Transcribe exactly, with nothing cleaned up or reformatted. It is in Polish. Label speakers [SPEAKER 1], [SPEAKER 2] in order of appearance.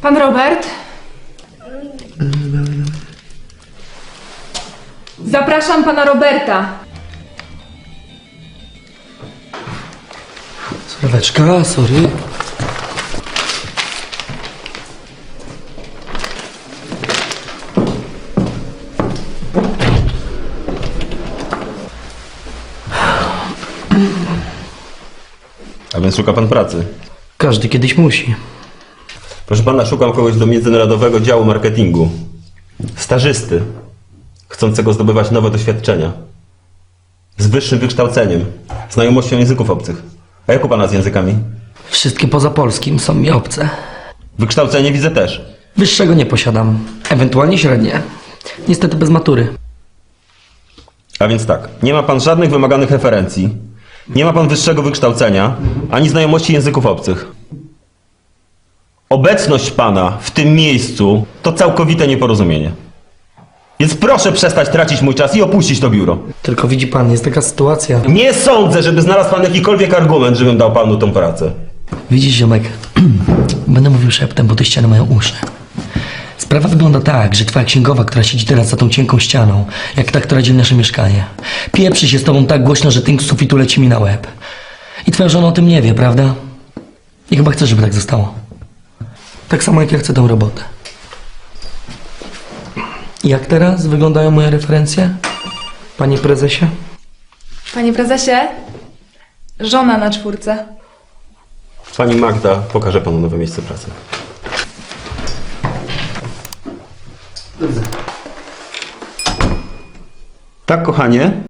[SPEAKER 1] Pan Robert? Zapraszam pana Roberta.
[SPEAKER 2] Sorweczka, sorry.
[SPEAKER 3] A więc szuka pan pracy.
[SPEAKER 2] Każdy kiedyś musi.
[SPEAKER 3] Proszę pana, szukam kogoś do międzynarodowego działu marketingu. Stażysty, chcącego zdobywać nowe doświadczenia. Z wyższym wykształceniem, znajomością języków obcych. A jak u pana z językami?
[SPEAKER 2] Wszystkie poza polskim są mi obce.
[SPEAKER 3] Wykształcenie widzę też.
[SPEAKER 2] Wyższego nie posiadam. Ewentualnie średnie. Niestety bez matury.
[SPEAKER 3] A więc tak, nie ma pan żadnych wymaganych referencji, nie ma pan wyższego wykształcenia, ani znajomości języków obcych. Obecność pana w tym miejscu to całkowite nieporozumienie. Więc proszę przestać tracić mój czas i opuścić to biuro.
[SPEAKER 2] Tylko widzi pan, jest taka sytuacja.
[SPEAKER 3] Nie sądzę, żeby znalazł pan jakikolwiek argument, żebym dał panu tą pracę.
[SPEAKER 2] Widzisz, ziomek, będę mówił szeptem, bo te ściany mają uszy. Sprawa wygląda tak, że twoja księgowa, która siedzi teraz za tą cienką ścianą, jak ta, która dzieli nasze mieszkanie, pieprzy się z tobą tak głośno, że tynk z sufitu leci mi na łeb. I twoja żona o tym nie wie, prawda? I chyba chce, żeby tak zostało. Tak samo jak ja chcę tą robotę. I jak teraz wyglądają moje referencje? Panie prezesie?
[SPEAKER 1] Panie prezesie? Żona na czwórce.
[SPEAKER 3] Pani Magda pokaże panu nowe miejsce pracy. Tak, kochanie?